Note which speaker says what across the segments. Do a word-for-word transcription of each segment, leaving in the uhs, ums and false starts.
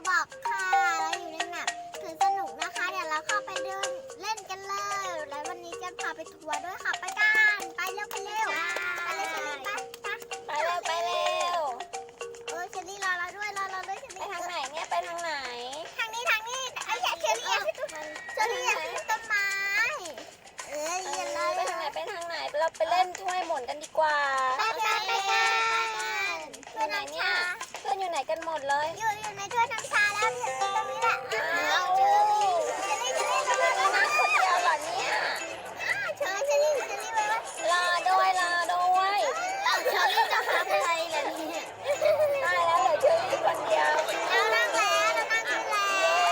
Speaker 1: บอกค่ะเราอยู่ในแมปถือสนุกนะคะเดี๋ยวเราเข้าไปเดินเล่นกันเลยแล้ววันนี้กันพาไปทัวร์ด้วยค่ะไปกันไปเร็วไปเร็วไปเลยเชอรี่ไปไป
Speaker 2: ไปเร็วไปเร็ว
Speaker 1: เออเชอรี่รอเราด้วยรอเราด้วยเชอ
Speaker 2: ไป
Speaker 1: รี่
Speaker 2: ทางไหนเนี่ยไปทางไหน
Speaker 1: ทางนี้ทางนี้ไอ้แย่เชอรี่อยากขึ้นต้นเชอรี่อยากขึ้นต้นไม้เออ
Speaker 2: เอ
Speaker 1: เย็น
Speaker 2: อ
Speaker 1: เลย
Speaker 2: ไปทางไหนไปทางไหนเราไปเล่นถ้วยหมุนกันดีกว่า
Speaker 1: ไปกันไปกัน
Speaker 2: อยู่ไหนเนี่ยเพื่อนอยู่ไหนกันหมดเลย
Speaker 1: อยู่อยู่ในถ้วยน้ำชาแล้วอยู่ตรงนี้แหละ
Speaker 2: อ้าว
Speaker 1: เชอรี่เชอรี่เชอรี่เชอรี่
Speaker 2: มานั่งคนเดียวเหรอเนี่ย
Speaker 1: เชอรี่เชอรี่เชอรี่ไว้ว่า
Speaker 2: รอด้วยรอด้วย
Speaker 1: เอาเชอรี่จะทำอะไรล่ะเนี่ย
Speaker 2: ตายแล้วเหลือเชอรี่คนเดียว
Speaker 1: เรานั่งแล้วเรานั่งขึ้นแล้ว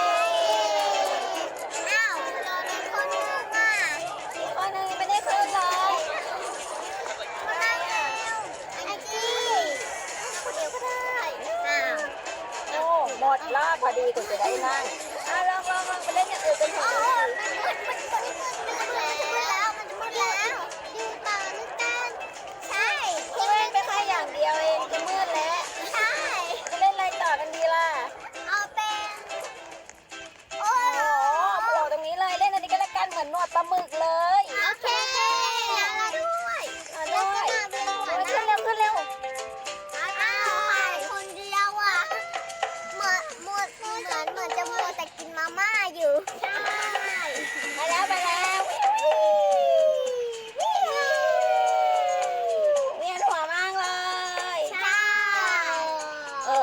Speaker 1: อ้าวเราได้คนหนึ่งอ่ะ
Speaker 2: อีกคนหนึงยังไม่ได้ขึ้นเลย
Speaker 1: มานั่งแล้วไอ้จี้คนเดียวก็ได้อ้าว
Speaker 2: โอ้หมดรอบพอดีคุณจะได้นั่งอ่ะลองลองลองไปเล่นอย่างอื่นกันเถ
Speaker 1: โอ้
Speaker 2: อะ
Speaker 1: มันมืดมันมืดมันมืดมันมืดแล้วมันจะมืดแล้วดูต่อนึกกันใช่
Speaker 2: คุณเล่นไปแค่อย่างเดียวเองจะมืดแล้ว
Speaker 1: ใช่
Speaker 2: จะเล่นอะไรต่อกันดีล่ะ
Speaker 1: เอาเป็นโอ้
Speaker 2: โอ้โหโผล่ตรงนี้เลยเล่นอันนี้ก็แล้วกันเหมือนหนวดปลาหมึกเลย
Speaker 1: โอเคแล้วเราด้วย
Speaker 2: เอาด้วย
Speaker 1: แล้วก็มา
Speaker 2: ขึ้น
Speaker 1: เป็น
Speaker 2: เร็วขึ้นเร็ว
Speaker 1: อ้าวหายคนเดียวอ่ะเหมือนเหมือนเหมือนเหมือนจะมัวแต่กินมาม่าอยู่ใช่
Speaker 2: ไปแล้วไปแล้วเวียนหัวมากเลย
Speaker 1: ใช่
Speaker 2: เอ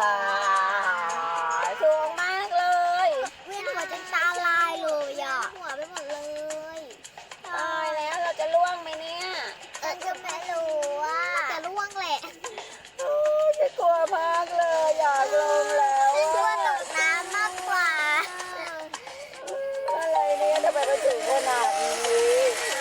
Speaker 2: อสูงมากเลย
Speaker 1: เวียนหัวจนตาลายเลยอ่ะหัวไปหมดเลย
Speaker 2: ตายแล้วเราจะล่วงไหมเนี่ย
Speaker 1: เออจะไม่รู้ว่าจะร่วงแหละ
Speaker 2: โอ้ยจะกลัวมากเลยอยากลงแล้ว
Speaker 1: ฉันกลัว
Speaker 2: อะ
Speaker 1: ตกน้ำมากกว่า
Speaker 2: อะไรเนี่ยทำไมเราถึงขนาดนี้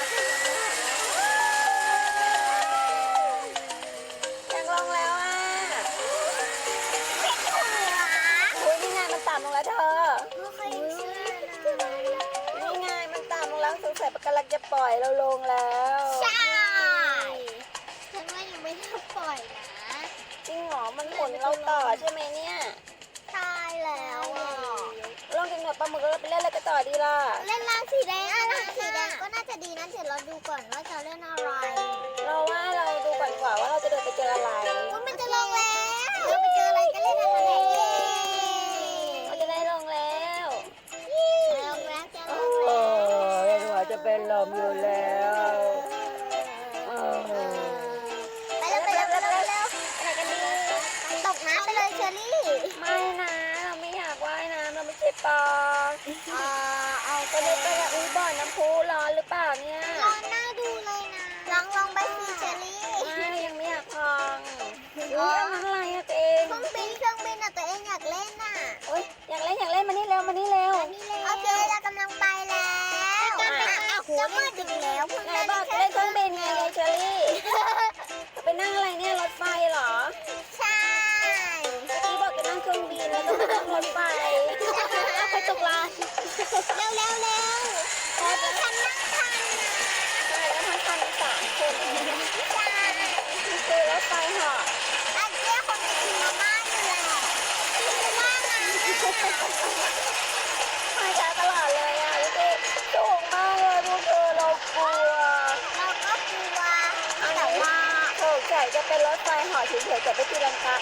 Speaker 2: อยากลงแล้วอ่ะ
Speaker 1: ไม่ถูกอ่ะ
Speaker 2: อุ้ยนี่ไงมันต่ำลงแล้วเธอ
Speaker 1: ไม่เคยเชื่อนะ
Speaker 2: นี่ไงมันต่ำลงแล้วสงสัยปะกำลังจะปล่อยเราลงแล้ว
Speaker 1: ใช่ฉันว่ายังไม่ได้ปล่อยนะ
Speaker 2: จริงเหรอมันหมุนเราต่อใช่ไหมเนี่ย
Speaker 1: ตายแล้วอ่ะ
Speaker 2: ลองกินหนวดปลาหมึกแล้วเราไปเล่นอะไรกันต่อดีล่ะ
Speaker 1: เล่นร้านสีแดงอ่ะร้านสีแดงก็น่าจะดีนะเดี๋ยวเราดูก่อนว่าจะเล่นอะไร
Speaker 2: เราว่าเราดูก่อนดีกว่าว่าเราจะเดินไปเจออะไร
Speaker 1: อุ๊ยมันจะลงแล้วเราไปเจออะไรก็เล่นอะไรเย้
Speaker 2: เราจะได้ลงแล้ว
Speaker 1: ลงแล้วจะล
Speaker 2: โอ้
Speaker 1: งแล้ว
Speaker 2: ยหัวจะเป็นลมอยู่แล้วเออ
Speaker 1: ไปเร็วไปเร็วไปเร็วไปเร็ว
Speaker 2: ไปไหนกันดี
Speaker 1: ตกน้ำไปเลยเชอรี่
Speaker 2: ไม่นะเราไม่อยากว่ายน้ำเราไม่ใช่ปลา
Speaker 1: อ่าเอา
Speaker 2: ไปเลยไปเลยอุ้ยบ่อน้ำพุร้อนหรือเปล่าเนี่ย
Speaker 1: ลองหน้าดูเลยนะลองลองไปสิเชอรี่
Speaker 2: ไม่ยังไม่อยากลองอุ้ยอันนั้นอะไรอะตัวเอง
Speaker 1: เครื่องบินเครื่องบินอ่ะตัวเองอยากเล่นน่ะ
Speaker 2: โอ้ยอยากเล่นอยากเล่นมานี่เร็วมานี่เร็ว
Speaker 1: โอเคเรากำลังไปแล้วจะมืดอีกแล้วเพิ่ง
Speaker 2: ไหน
Speaker 1: ได้
Speaker 2: บอกจะเล่นเครื่องบินไงยายเชอรี่ไปนั่งอะไรเนี่ยรถไฟเหรอ
Speaker 1: ใช่
Speaker 2: เมื่อกี้บอกจะนั่งเครื่องบินแล้วก็มานั่งรถไฟเอาไปตกลาน
Speaker 1: เร็วเร็วเร็วเฮ้ยฉันนั่งทันนะ
Speaker 2: ใช่แล้วทั้งคันสามคน
Speaker 1: ใช่
Speaker 2: คือรถไฟเหาะ
Speaker 1: อันเจ้าคนจะกินมาม่าอยู่แหละคือว่างั้นน่ะ
Speaker 2: มาช้าตลอดเลยอ่ะดูสิสูงมากเลยพวกเธอเรากลัว
Speaker 1: เราก็กลัวแต่ว่า
Speaker 2: สงสัยจะเป็นรถไฟเหาะเฉยๆแต่ไม่ตีลังกา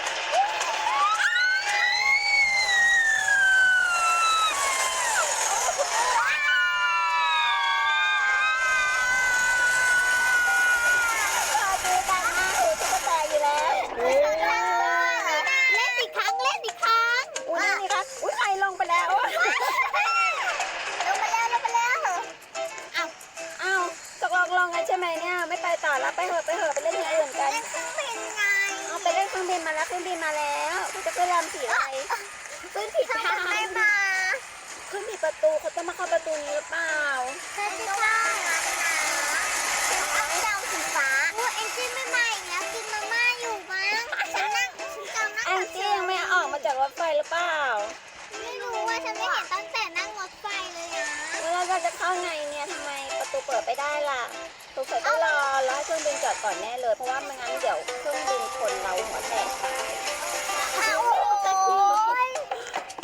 Speaker 2: ดูดังมากเลยตุ๊กตาอยู่แล้ว
Speaker 1: เล่นอีกครั้งเล่นอีกครั้ง
Speaker 2: อุ้ยนี่ครับอุ้ยใครลงไปแล้ว
Speaker 1: ลงมาแล้วลงมาแล้ว
Speaker 2: อ้าวอ้าวตกลงลงกันใช่ไหมเนี่ยไม่ไปต่อแล้วไปเหอะไปเหอะไปเล่นอย่างอื่นกัน
Speaker 1: เล่นเครื่องบินไง
Speaker 2: เอาไปเล่นเครื่องบินมาแล้วเครื่องบินมาแล้วคุณจะไปรำสีอะไร
Speaker 1: ขึ้นผิดทางไม่มา
Speaker 2: ขึ้นผิดประตูเขาจะมาเข้าประตูนี้หรือเปล่า
Speaker 1: ใช่ใช่เอาเจ้าสีฟ้าโอ้เอ็นจี้ไม่มาอีกแล้วกินมาม่าอยู่มั้งฉันนั่งฉันจำนั่ง
Speaker 2: แองจี้ยังไม่ออกมาจากรถไฟหรือเปล่า
Speaker 1: ไม่รู้ว่าฉันไม่เห็นตั้งแต่นั่งรถไฟเลยนะ
Speaker 2: แล้วเราจะเข้าไงเนี่ยทำไมประตูเปิดไม่ได้ล่ะสงสัยต้องรอรอให้เครื่องบินจอดก่อนแน่เลยเพราะว่าไม่งั้นเดี๋ยวเครื่องบินชนเราหัวแตก
Speaker 1: โอ้ย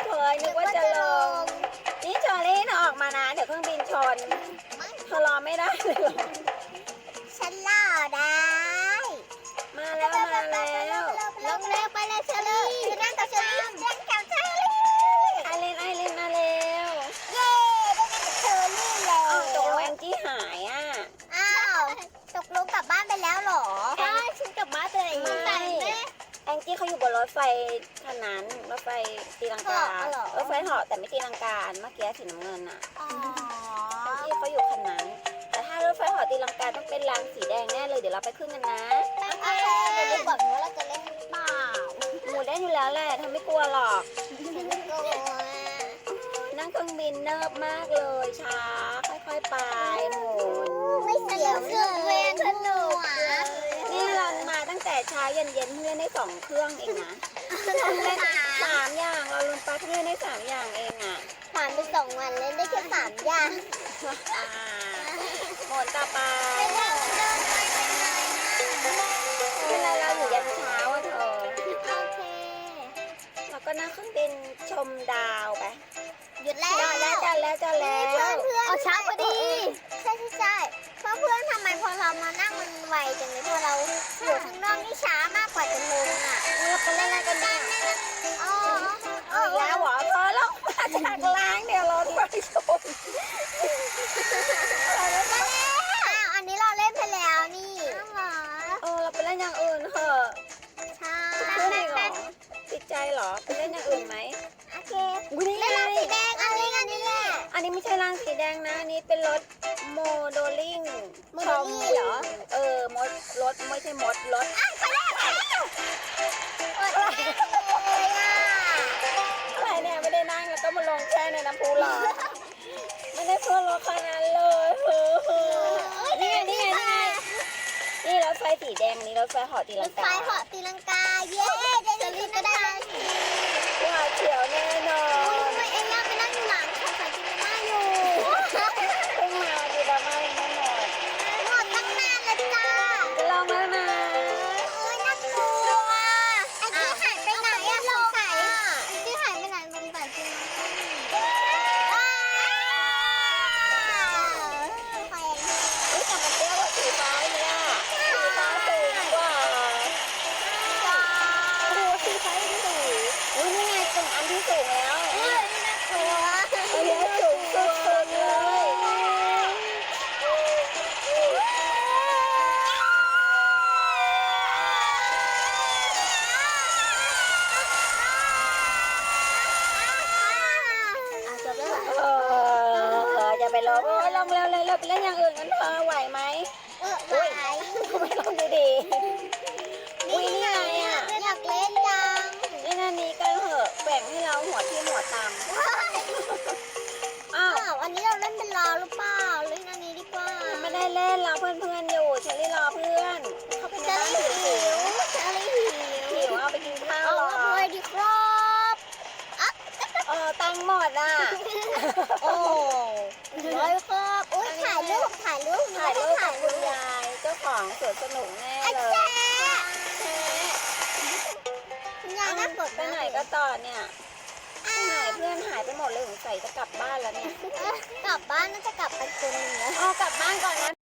Speaker 2: นเธอรอไม่ได้เลยเหรอ
Speaker 1: ฉันรอได้
Speaker 2: มาแล้วมาแล้ว
Speaker 1: ลงเร็วไปเลยเชอรี่นั่งกับเชอรี่นั่งกับเชอรี่
Speaker 2: ไอเลนไอเลนมาแล้ว
Speaker 1: เย้ได้นั่งกับเชอรี่แล้ว
Speaker 2: อ้าวตกลงแองจี้หายอ่ะ
Speaker 1: อ้าวตกลงกลับบ้านไปแล้วเหรอใช่ฉันกลับบ้านไปแล้ว
Speaker 2: ไม่ แองจี้เขาอยู่บนรถไฟคันนั้นรถไฟตีลังกา
Speaker 1: เหรอ
Speaker 2: รถไฟเหาะแต่ไม่ตีลังกาเมื่อกี้สีน้ำเงินอ่ะ
Speaker 1: อ๋อ
Speaker 2: แองจี้เขาอยู่คันนั้น แต่ถ้ารถไฟเหาะตีลังกาต้องเป็นรางสีแดงแน่เลยเดี๋ยวเราไปขึ้นกันนะ
Speaker 1: โอเคเดี๋ยวดูก่อนว่าเราจะเล่นหรือเปล่า
Speaker 2: หมูได้อยู่แล้วแหละเธอไม่กลัวหรอก
Speaker 1: ฉันไม่กลัว
Speaker 2: นั่งเครื่องบินเนิบมากเลยช้าค่อยๆไปหมุน
Speaker 1: ไม่เสียวเลยเวียนสนุก
Speaker 2: นี่เรามาตั้งแต่เช้าเย็นเย็นๆเพื่อนได้สองเครื่องเองนะเล่นสามอย่างเราลืมไปเพื่อนได้สามอย่างเองอ่ะ
Speaker 1: ผ่านไปสองวันเล่นได้แค่สามอย่าง
Speaker 2: อ่าหมดต่อไป
Speaker 1: ไม่ได้เดินไปเป็นไรนะ
Speaker 2: เวลาเราอยู่ยันเช้าอะเธอ
Speaker 1: โอเค
Speaker 2: เราก็นั่งเครื่องบินชมดาวไป
Speaker 1: หยุดแล้ว
Speaker 2: จอดแล้วจอดแล้วจอดแล้ว
Speaker 1: เพื่อนเพื่อนเอาช้าพอดี ใช่ใช่ใช่เพราะเพื่อนทำไมพอเรามานั่งมันไวจังเลยพอเราอยู่ข้างนอกนี่ช้ามากกว่าจะลงอ่ะ
Speaker 2: เราไปเล่นอะไรกันเนี่ย
Speaker 1: อ๋อ
Speaker 2: เอาอีกแล้วเหรอเธอเรามาจากล้างเดี๋ยวรถไฟชน
Speaker 1: มาแล้วอ้าวอันนี้เราเล่นไปแล้วนี่
Speaker 2: เออเราไปเล่นอย่างอื่นเถอะ
Speaker 1: ใช่
Speaker 2: เพื่อนอีกเหรอติดใจเหรอไปเล่นอย่างอื่นไหม
Speaker 1: โอเค
Speaker 2: อุ๊ยนี่ไง
Speaker 1: เล่นสีแดงอันนี้อันนี้แหละ
Speaker 2: อันนี้ไม่ใช่รางสีแดงนะ อันนี้เป็นรถโมโดลิง
Speaker 1: โมโดลิ่งเหรอ
Speaker 2: เออมดรถไม่ใช่มดรถ
Speaker 1: ไปแล้วไปแล้วอดแน่เลยอ่ะ
Speaker 2: อะไรเนี่ยไม่ได้นั่งแล้วก็มาลงแช่ในน้ำพุหรอไม่ได้เพื่อรถคันนั้นเลยเฮ้อนี่ไงนี่ไงนี่ไงนี่รถไฟสีแดงอันนี้รถไฟเหาะตี
Speaker 1: ร
Speaker 2: ลั
Speaker 1: ถ
Speaker 2: ง
Speaker 1: ไฟ
Speaker 2: กา
Speaker 1: เหาะตีลังกา เย้ได้เล่นก็ได้
Speaker 2: หวาดเสียวแน่นอน
Speaker 1: โอ้ยเอ็งย่าไปนั่งอยู่หลังของสายจินมาอยู่
Speaker 2: เพิ่งมาดีดราม่ายังไม่หมด
Speaker 1: หมดตั้งนานแล้วจ้า
Speaker 2: จะลองแล้วนะ
Speaker 1: โอ้ยน่ากลัวไอ้ที่หายไปไหนอะสงสัยไอ้ที่หายไปไหนสงสัยจริงอ้าวใคร
Speaker 2: อุ๊ยแต่มันเตี้ยกว่าสีฟ้าเนี่ยสีฟ้าสูงกว่าโอ้โหสีฟ้ายังสูงอุ้ยนี่ไงถึงอันที่สูงแล้ว
Speaker 1: เฮ้ยน่ากลัว
Speaker 2: เอ้ยสูงสุดๆเลย
Speaker 1: อ่ะจบแล้วเหรอ
Speaker 2: เออจะไปลองโอ้ยลองเร็วเลยเราไปเล่นอย่างอื่นกันเธอไหวไหม
Speaker 1: เออไหว
Speaker 2: ไม่ลองดีดีๆอุ้ยนี่ไงอ่ะ
Speaker 1: อยากเล่นจัง
Speaker 2: เล่นอันนี้กันเถอะแบ่งให้เราหัวที่หัวตำอ้าว
Speaker 1: อ้าวอันนี้เราเล่นเป็นรอหรือเปล่าเล่นอันนี้ดีกว่า
Speaker 2: ไม่ได้เล่นรอเพื่อนๆอยู่เชอรี่รอเพื่อน เข้าไปใน
Speaker 1: เชอ
Speaker 2: บ้าน
Speaker 1: รี่
Speaker 2: หิ
Speaker 1: หิ
Speaker 2: ว
Speaker 1: วเชอรี่หิว
Speaker 2: หิวเอาไปกินข้าว
Speaker 1: เอา
Speaker 2: รอ
Speaker 1: มาเลยดีครับอ่ะ
Speaker 2: เออตังค์หมดอ่ะ
Speaker 1: โอ้เลยครับอุ้ยถ่ายรูปถ่ายรูป
Speaker 2: ถ่ายรูปกับคุณยายเจ้าของสวนสนุกแน่
Speaker 1: ไอ้
Speaker 2: เล
Speaker 1: แจ๊
Speaker 2: ย
Speaker 1: คุณยายน่าสด
Speaker 2: ไปไหนก็ต่อเนี่ยไปไหนเพื่อนหายไปหมดเลยสงสัยจะกลับบ้านแล้วเนี่ย
Speaker 1: กลับบ้านน่าจะกลับไปคนหนึงแล้ว
Speaker 2: เอากลับบ้านก่อนนะ